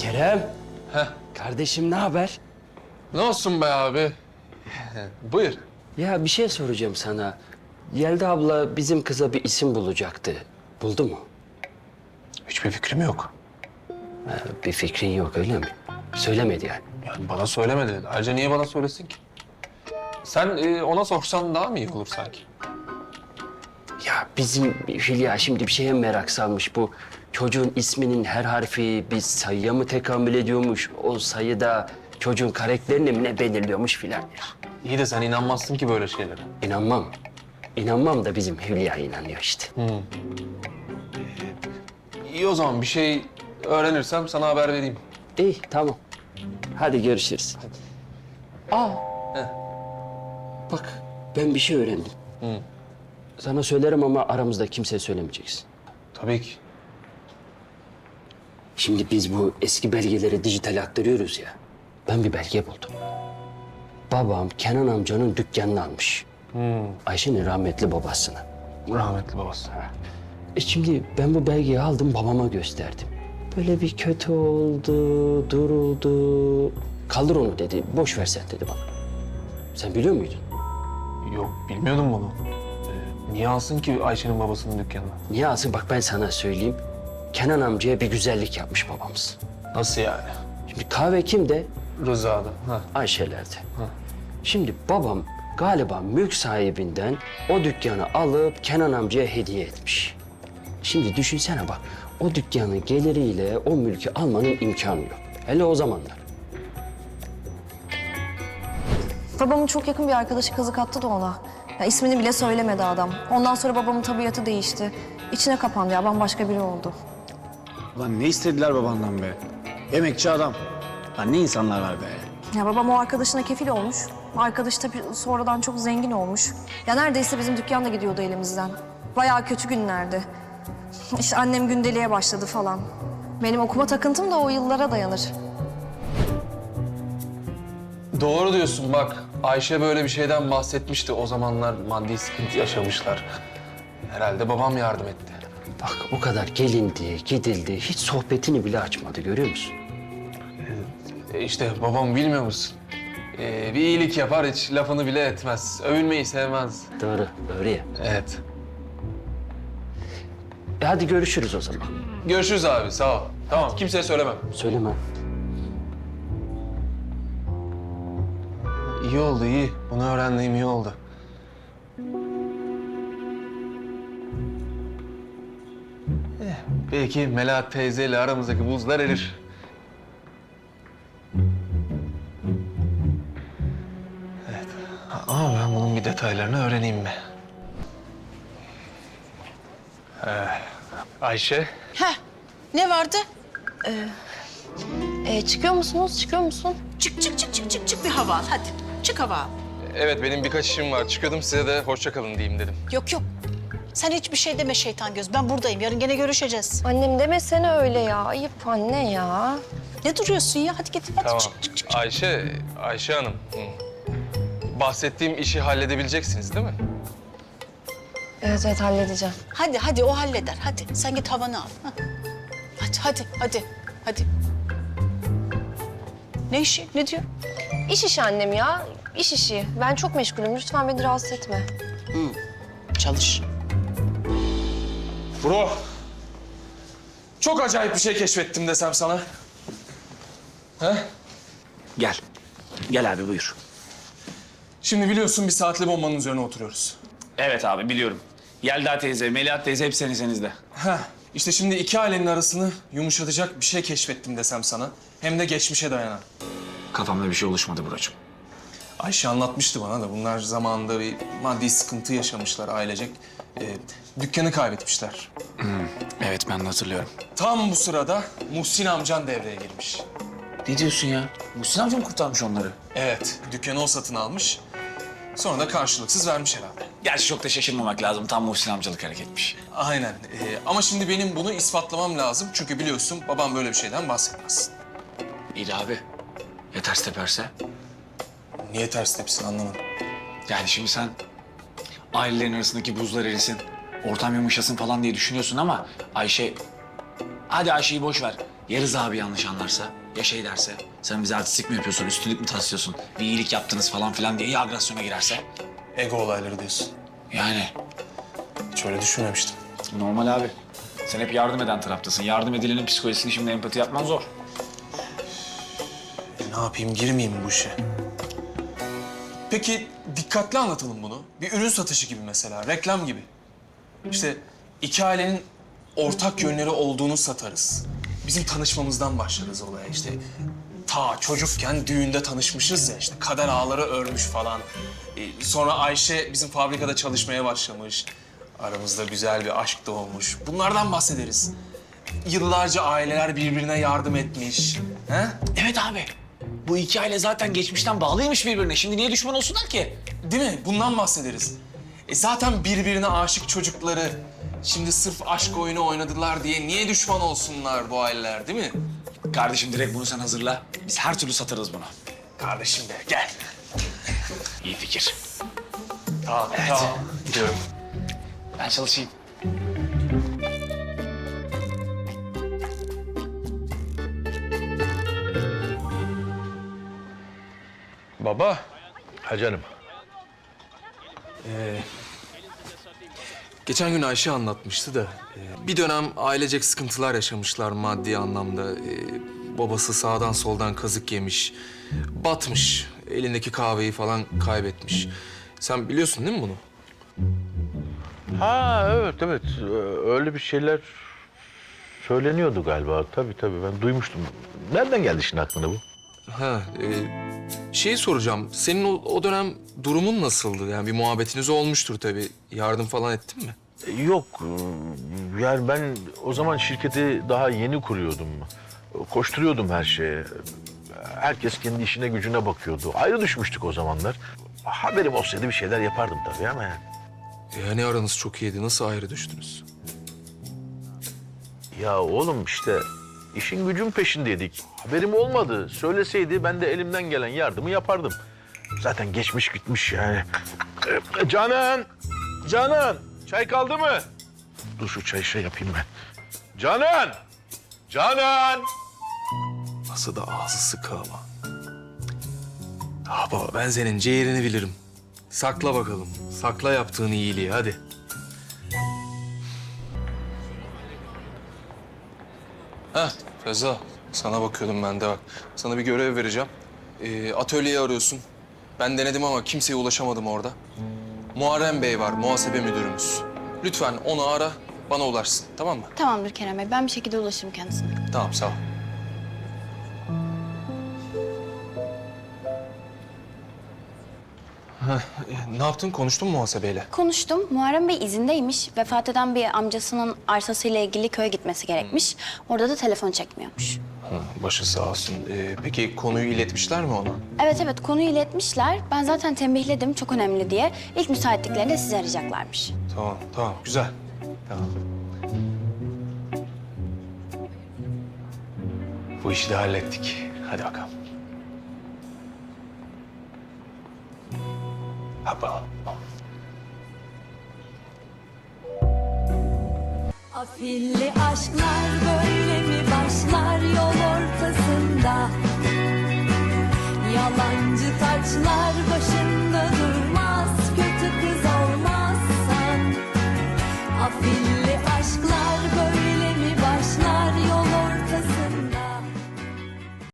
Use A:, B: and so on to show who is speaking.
A: Kerem,
B: Heh.
A: kardeşim ne haber?
B: Ne olsun be abi? Buyur.
A: Ya bir şey soracağım sana. Yelda abla bizim kıza bir isim bulacaktı. Buldu mu?
B: Hiçbir fikrim yok.
A: Bir fikrin yok öyle mi? Söylemedi yani.
B: Yani bana söylemedi. Ayrıca niye bana söylesin ki? Sen ona sorsan daha mı iyi olur sanki?
A: Ya bizim Hülya şimdi bir şeye merak salmış bu. Çocuğun isminin her harfi bir sayıya mı tekamül ediyormuş? O sayıda çocuğun karakterini mi ne belirliyormuş filan ya.
B: İyi de sen inanmazsın ki böyle şeylere.
A: İnanmam. İnanmam da bizim Hülya inanıyor işte.
B: İyi o zaman bir şey öğrenirsem sana haber vereyim.
A: İyi tamam. Hadi görüşürüz. Aa.
B: Heh.
A: Bak ben bir şey öğrendim.
B: Hı.
A: Sana söylerim ama aramızda kimseye söylemeyeceksin.
B: Tabii ki.
A: Şimdi biz bu eski belgeleri dijital aktarıyoruz ya. Ben bir belge buldum. Babam Kenan amcanın dükkanını almış. Ayşe'nin rahmetli babasına.
B: Rahmetli babası.
A: Şimdi ben bu belgeyi aldım babama gösterdim. Böyle bir kötü oldu, duruldu. Kaldır onu dedi, boş ver sen dedi bana. Sen biliyor muydun?
B: Yok bilmiyordum bunu. Niye alsın ki Ayşe'nin babasının dükkanına?
A: Niye alsın? Bak ben sana söyleyeyim. Kenan amcaya bir güzellik yapmış babamız.
B: Nasıl yani?
A: Şimdi kahve kimde?
B: Rıza'da. Ha.
A: Ayşe'lerde. Şimdi babam galiba mülk sahibinden o dükkanı alıp Kenan amcaya hediye etmiş. Şimdi düşünsene bak, o dükkanın geliriyle o mülkü almanın imkanı yok. Hele o zamanlar.
C: Babamın çok yakın bir arkadaşı kazık attı da ona. Ya ismini bile söylemedi adam. Ondan sonra babamın tabiatı değişti. İçine kapandı ya, bambaşka biri oldu.
D: Ulan ne istediler babandan be? Emekçi adam. Lan ne insanlar var be?
C: Ya babam o arkadaşına kefil olmuş. Arkadaş tabii sonradan çok zengin olmuş. Ya neredeyse bizim dükkan da gidiyordu elimizden. Bayağı kötü günlerdi. İşte annem gündeliğe başladı falan. Benim okuma takıntım da o yıllara dayanır.
B: Doğru diyorsun bak. Ayşe böyle bir şeyden bahsetmişti. O zamanlar maddi sıkıntı yaşamışlar. Herhalde babam yardım etti.
A: Bak o kadar gelindi, gidildi, hiç sohbetini bile açmadı görüyor musun?
B: İşte babam bilmiyor musun? Bir iyilik yapar hiç lafını bile etmez. Övülmeyi sevmez.
A: Doğru, doğru ya.
B: Evet.
A: Hadi görüşürüz o zaman.
B: Görüşürüz abi sağ ol. Tamam kimseye söylemem.
A: Söyleme.
B: İyi oldu iyi. Bunu öğrendiğim iyi oldu. Belki Melahat teyzeyle aramızdaki buzlar erir. Evet. Ama ben bunun bir detaylarını öğreneyim mi? Ayşe.
E: Heh, ne vardı?
C: Çıkıyor musunuz? Çıkıyor musun?
E: Çık bir hava al hadi. Çık hava al.
B: Evet benim birkaç işim var. Çıkıyordum size de hoşça kalın diyeyim dedim.
E: Yok. Sen hiçbir şey deme şeytan göz. Ben buradayım. Yarın gene görüşeceğiz.
C: Annem demesene öyle ya. Ayıp anne ya.
E: Ne duruyorsun ya? Hadi git. Hadi
B: Tamam.
E: çık.
B: Ayşe Hanım. Bahsettiğim işi halledebileceksiniz değil mi?
C: Evet halledeceğim.
E: Hadi o halleder. Hadi sen git havanı al. Ha. Hadi. Ne işi? Ne diyor?
C: İş işi annem ya. İş işi. Ben çok meşgulüm. Lütfen beni rahatsız etme.
E: Çalış.
F: Bro, çok acayip bir şey keşfettim desem sana. He?
D: Gel. Gel abi buyur.
F: Şimdi biliyorsun bir saatli bombanın üzerine oturuyoruz.
D: Evet abi biliyorum. Yelda teyze, Melahat teyze hep senizde.
F: Heh, işte şimdi iki ailenin arasını yumuşatacak bir şey keşfettim desem sana. Hem de geçmişe dayanan.
D: Kafamda bir şey oluşmadı brocum.
F: Ayşe anlatmıştı bana da bunlar zamanında bir maddi sıkıntı yaşamışlar ailecek. Dükkanı kaybetmişler.
D: Evet ben de hatırlıyorum.
F: Tam bu sırada Muhsin amcan devreye girmiş.
D: Ne diyorsun ya? Muhsin amca mı kurtarmış onları?
F: Evet, dükkanı o satın almış. Sonra da karşılıksız vermiş herhalde.
D: Gerçi çok da şaşırmamak lazım. Tam Muhsin amcalık hareketmiş.
F: Aynen. Ama şimdi benim bunu ispatlamam lazım. Çünkü biliyorsun babam böyle bir şeyden bahsetmez.
D: İyi de abi. Ya ters teperse?
F: Niye ters tepsin anlamadım.
D: Yani şimdi sen ailelerin arasındaki buzlar erisin, ortam yumuşasın falan diye düşünüyorsun ama Ayşe... Hadi Ayşe'yi boş ver. Ya Rıza abi yanlış anlarsa? Ya şey derse? Sen bize artistlik mi yapıyorsun, üstünlük mü taslıyorsun? Bir iyilik yaptınız falan filan diye ya agresyona girerse?
F: Ego olayları diyorsun.
D: Yani
F: Hiç öyle düşünmemiştim.
D: normal abi. Sen hep yardım eden taraftasın. Yardım edilenin psikolojisini şimdi empati yapman zor.
F: Ne yapayım, girmeyeyim mi bu işe? Peki dikkatli anlatalım bunu. Bir ürün satışı gibi mesela, reklam gibi. İşte iki ailenin ortak yönleri olduğunu satarız. Bizim tanışmamızdan başlarız olaya işte. Ta çocukken düğünde tanışmışız ya işte kader ağları örmüş falan. Sonra Ayşe bizim fabrikada çalışmaya başlamış. Aramızda güzel bir aşk doğmuş. Bunlardan bahsederiz. Yıllarca aileler birbirine yardım etmiş. He?
D: Evet abi. Bu iki aile zaten geçmişten bağlıymış birbirine. Şimdi niye düşman olsunlar ki?
F: Değil mi? Bundan bahsederiz. Zaten birbirine aşık çocukları şimdi sırf aşk oyunu oynadılar diye niye düşman olsunlar bu aileler, değil mi?
D: Kardeşim direkt bunu sen hazırla. Biz her türlü satarız bunu.
F: Kardeşim de gel.
D: İyi fikir.
F: Tamam, tamam. Gidiyorum.
D: Ben çalışayım.
G: Baba. Ha canım.
B: Geçen gün Ayşe anlatmıştı da bir dönem ailecek sıkıntılar yaşamışlar maddi anlamda. Babası sağdan soldan kazık yemiş, batmış, elindeki kahveyi falan kaybetmiş. Sen biliyorsun değil mi bunu?
G: Ha evet evet. Öyle bir şeyler söyleniyordu galiba. Tabii ben duymuştum. Nereden geldi şimdi aklına bu?
B: Ha, şeyi soracağım. Senin o dönem durumun nasıldı? Yani bir muhabbetiniz olmuştur tabii. Yardım falan ettin mi?
G: Yok. Yani ben o zaman şirketi daha yeni kuruyordum. Koşturuyordum her şeye. Herkes kendi işine gücüne bakıyordu. Ayrı düşmüştük o zamanlar. Haberim olsaydı bir şeyler yapardım tabii ama yani.
B: Yani aranız çok iyiydi. Nasıl ayrı düştünüz?
G: Ya oğlum işte işin gücün peşindeydik. Haberim olmadı. Söyleseydi ben de elimden gelen yardımı yapardım. Zaten geçmiş gitmiş yani. Canan, çay kaldı mı? Dur şu çayı şey yapayım ben. Canan!
B: Nasıl da ağzı sıkı ama. Ah baba ben senin ciğerini bilirim. Sakla bakalım. Sakla yaptığın iyiliği hadi. Heh Reza, sana bakıyordum ben de bak. Sana bir görev vereceğim. Atölyeyi arıyorsun. Ben denedim ama kimseye ulaşamadım orada. Muharrem Bey var, muhasebe müdürümüz. Lütfen onu ara, bana ulaşsın. Tamam mı?
H: Tamamdır Kerem Bey. Ben bir şekilde ulaşırım kendisine.
B: Tamam, sağ ol. Ne yaptın? Konuştun mu muhasebeyle?
H: Konuştum. Muharrem Bey izindeymiş. Vefat eden bir amcasının arsasıyla ilgili köye gitmesi gerekmiş. Orada da telefon çekmiyormuş.
B: Başı sağ olsun. Peki konuyu iletmişler mi ona?
H: Evet konuyu iletmişler. Ben zaten tembihledim çok önemli diye. İlk müsaitliklerinde sizi arayacaklarmış.
B: Tamam. Güzel. Tamam. Bu işi de hallettik. Hadi bakalım. Hoppa.
I: Afilli aşklar böyle